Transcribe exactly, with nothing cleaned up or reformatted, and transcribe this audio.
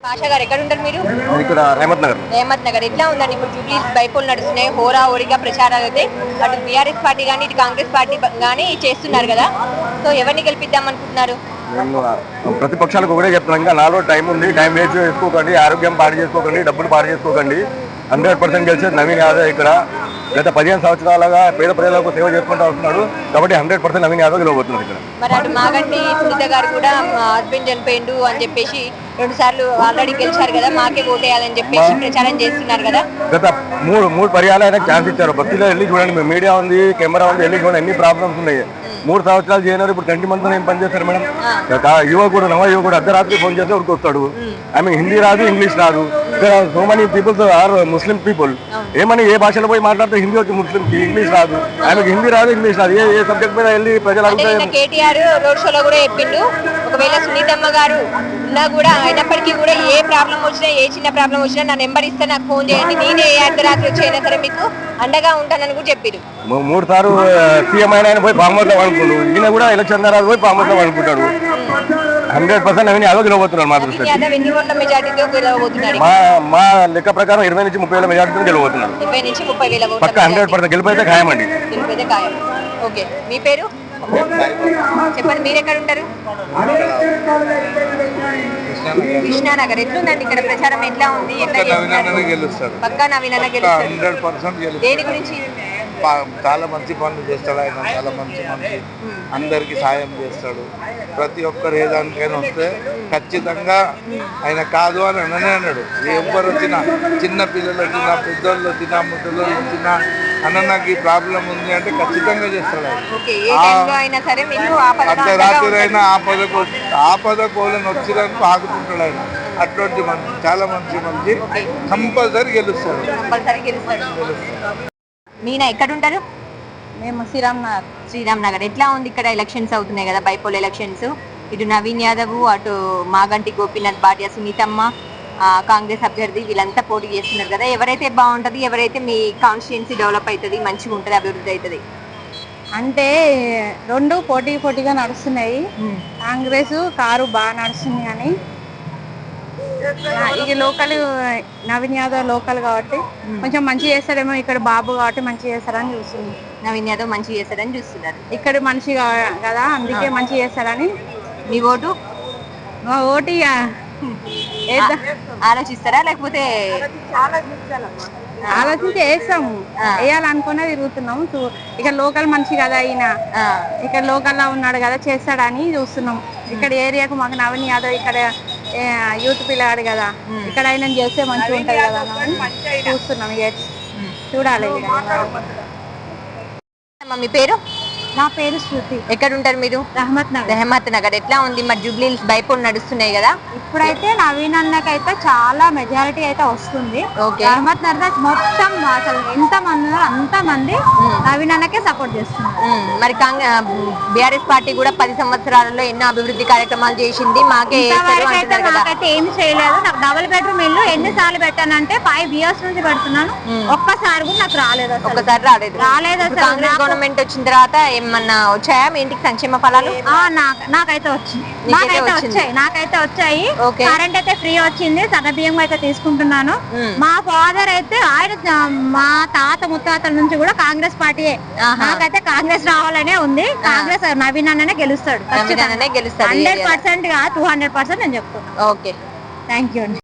ఆశా గారు ఎక్కడ ఉంటారు మీరు? ఇక్కడ రేమత్ నగర్. రేమత్ నగర్ ఎట్లా ఉందండి ఇప్పుడు జూబ్లీస్ బైపోల్ నడుస్తున్నాయి, హోరా హోరీగా ప్రచారాలు అయితే అటు బీఆర్ఎస్ పార్టీ కానీ ఇటు కాంగ్రెస్ పార్టీ కానీ చేస్తున్నారు కదా, సో ఎవరిని గెలిపిద్దాం అనుకుంటున్నారు? ప్రతిపక్షాలకు కూడా చెప్తున్నాం, ఇంకా నాలో టైం ఉంది, టైం వేస్ట్ చేసుకోకండి, ఆరోగ్యం పాడు చేసుకోకండి, డబ్బులు పాడు చేసుకోకండి. హండ్రెడ్ పర్సెంట్ గెలిచేది నవీన్ యాదవ్. ఇక్కడ గత పదిహేను సంవత్సరాలుగా పేద ప్రజలకు సేవ చేసుకుంటూ వస్తున్నాడు కాబట్టి హండ్రెడ్ పర్సెంట్ నవీన్ యాదవ్ గెలవబోతున్నారు. ఇక్కడ మరి అటు మాగంటి సునీత గారు కూడా మా హస్బెండ్ చనిపోయిండు అని చెప్పేసి రెండు సార్లు ఆల్రెడీ గెలిచారు కదా, మాకే ఓటేయాలని చెప్పేసి ప్రచారం చేస్తున్నారు కదా. గత మూడు మూడు పర్యాలు ఆయనకు ఛాన్స్ ఇచ్చారు. భక్తిలో వెళ్ళి చూడండి, మీడియా ఉంది, కెమెరా ఉంది, వెళ్ళి చూడండి ఎన్ని ప్రాబ్లమ్స్ ఉన్నాయి. మూడు సంవత్సరాలు చేయనారు, ఇప్పుడు ట్వంటీ మంత్స్ ఏం పని చేస్తారు మేడం? యువకుడు నవ యువకుడు అర్ధరాత్రి ఫోన్ చేస్తే ఉరికి వస్తాడు. ఐ మీన్ హిందీ రాదు, ఇంగ్లీష్ రాదు. ఇక్కడ so many peoples are Muslim people. ఏమని ఏ భాషలో పోయి మాట్లాడితే హిందీ వచ్చి ముస్లింకి ఇంగ్లీష్ రాదు, ఆమెకి హిందీ రాదు, ఇంగ్లీష్ రాదు. ఏ ఏ సబ్జెక్ట్ మీద వెళ్ళి ప్రజలు అడుగుతారు. కేటీఆర్ రోడ్ షోలో కూడా చెప్పిండు, ఒకవేళ సునీతమ్మ గారు ఉన్నా కూడా అయినప్పటికీ కూడా ఏ ప్రాబ్లం వచ్చినా, ఏ చిన్న ప్రాబ్లం వచ్చినా నా నెంబర్ ఇస్తే నాకు ఫోన్ చేయండి, నేనే ఏ అర్ధరాత్రి వచ్చైనా సరే మీకు అండగా ఉంటానని కూడా చెప్పారు. మూడు సార్లు సీఎం అయినా పోయి పామర్లో అనుకుంటాడు, ఈయన కూడా ఎలక్షన్ తర్వాత పోయి పామర్లో అనుకుంటాడు. హండ్రెడ్ పర్సెంట్ అవన్నీ యాదవ్ గెలవబోతున్నారు. మా దృష్టి మా మా లెక్క ప్రకారం ఇరవై నుంచి ముప్పై వేల మెజార్టీతో గెలవబోతున్నారు. ఇరవై నుంచి ముప్పై వేల పక్క హండ్రెడ్ పర్సెంట్ గెలిపైతే ఖాయమండి. గెలిపైతే ఖాయం. ఓకే, మీ పేరు చెప్పండి, మీరు ఎక్కడ ఉంటారు? కృష్ణానగర్. ఎట్లుందండి ఇక్కడ ప్రచారం, ఎట్లా ఉంది? పక్కా నవీన్ అన్న గెలుస్తాడు. దేని గురించి? చాలా మంచి పనులు చేస్తాడు ఆయన, చాలా మంచి మంచి అందరికి సాయం చేస్తాడు. ప్రతి ఒక్కరు ఏ దానికైనా వస్తే ఖచ్చితంగా ఆయన కాదు అని అననే అన్నాడు. ఎవరు వచ్చినా, చిన్న పిల్లలు వచ్చినా, పెద్దోళ్ళు వచ్చినా, ముద్దలు వచ్చినా, అన్న నాకు ఈ ప్రాబ్లం ఉంది అంటే ఖచ్చితంగా చేస్తాడు ఆయన. అర్ధరాత్రి అయినా ఆపద ఆపద కోళ్ళని వచ్చినందుకు ఆగుతుంటాడు ఆయన. అటువంటి మంచి, చాలా మంచి మంచి కంపల్సరీ గెలుస్తాడు. మీనా ఎక్కడ ఉంటారు? మేము శ్రీరామ్ నగర్. శ్రీరామ్ నగర్. ఎట్లా ఉంది ఇక్కడ? ఎలక్షన్స్ అవుతున్నాయి కదా, బైపోల్ ఎలక్షన్స్. ఇటు నవీన్ యాదవ్, అటు మాగంటి గోపీనాథ్ భార్య సునీతమ్మ, కాంగ్రెస్ అభ్యర్థి, వీళ్ళంతా పోటీ చేస్తున్నారు కదా. ఎవరైతే బాగుంటుంది, ఎవరైతే మీ కాన్స్టిట్యుయెన్సీ డెవలప్ అవుతుంది, మంచిగా ఉంటుంది, అభివృద్ధి అవుతుంది? అంటే రెండు పోటీ పోటీగా నడుస్తున్నాయి. కాంగ్రెస్ కారు బాగా నడుస్తుంది కానీ ఇక లోకల్ నవీన్ యాదవ్ లోకల్ కాబట్టి కొంచెం మంచి చేస్తాడేమో. ఇక్కడ బాబు కాబట్టి మంచి చేస్తారని చూస్తుంది. నవీన్ యాదవ్ మంచి చేస్తాడని చూస్తున్నారు. ఇక్కడ మనిషి కదా, అందుకే మంచి చేస్తారని. మీ ఓటు? మా ఓటు ఆలోచిస్తారా లేకపోతే? ఆలోచించి వేస్తాము, వేయాలనుకునే తిరుగుతున్నాము. ఇక్కడ లోకల్ మనిషి కదా ఈయన, ఇక్కడ లోకల్ లో ఉన్నాడు కదా, చేస్తాడని చూస్తున్నాం. ఇక్కడ ఏరియాకు మాకు నవీన్ యాదవ్ ఇక్కడ యూత్ పిల్లగాడు కదా, ఇక్కడ ఆయన చేస్తే మంచిగా ఉంటది కదా అని చూస్తున్నాం. చూడాలి. మీ పేరు? నా పేరు శృతి. ఎక్కడ ఉంటారు మీరు? రహమత్ నగర్. రహమత్ నగర్. ఎట్లా ఉంది మరి జూబ్లీస్ బైపోల్ నడుస్తున్నాయి కదా? ఇప్పుడైతే నవీన్ అన్నకైతే చాలా మెజారిటీ అయితే వస్తుంది. రహమత్ నగర్ మొత్తం అసలు ఎంత మంది అంత మంది నవీన్ అన్నకే సపోర్ట్ చేస్తున్నారు. మరి బీఆర్ఎస్ పార్టీ కూడా పది సంవత్సరాలలో ఎన్నో అభివృద్ధి కార్యక్రమాలు చేసింది, మాకే నాకైతే ఏమి చేయలేదు. నాకు డబుల్ బెడ్రూమ్ ఇల్లు ఎన్నిసార్లు పెట్టానంటే ఫైవ్ ఇయర్స్ నుంచి పెడుతున్నాను, ఒక్కసారి కూడా నాకు రాలేదు. ఒక్కసారి రాలేదు రాలేదు కాంగ్రెస్ గవర్నమెంట్ వచ్చిన తర్వాత ఏమన్నా వచ్చాయా మీ ఇంటికి సంక్షేమ ఫలాలు? నాకైతే వచ్చింది, నాకైతే వచ్చాయి నాకైతే వచ్చాయి కరెంట్ అయితే ఫ్రీ వచ్చింది. సన్న బియ్యం అయితే తీసుకుంటున్నాను. మా ఫాదర్ అయితే ఆయన మా తాత ముత్తాతల నుంచి కూడా కాంగ్రెస్ పార్టీ. నాకైతే కాంగ్రెస్ రావాలనే ఉంది. కాంగ్రెస్ నవీన్ అన్ననే గెలుస్తాడు, గెలుస్తాడు హండ్రెడ్ పర్సెంట్ గా టూ హండ్రెడ్ పర్సెంట్ నేను చెప్తున్నాను. ఓకే, థ్యాంక్ యూ అండి.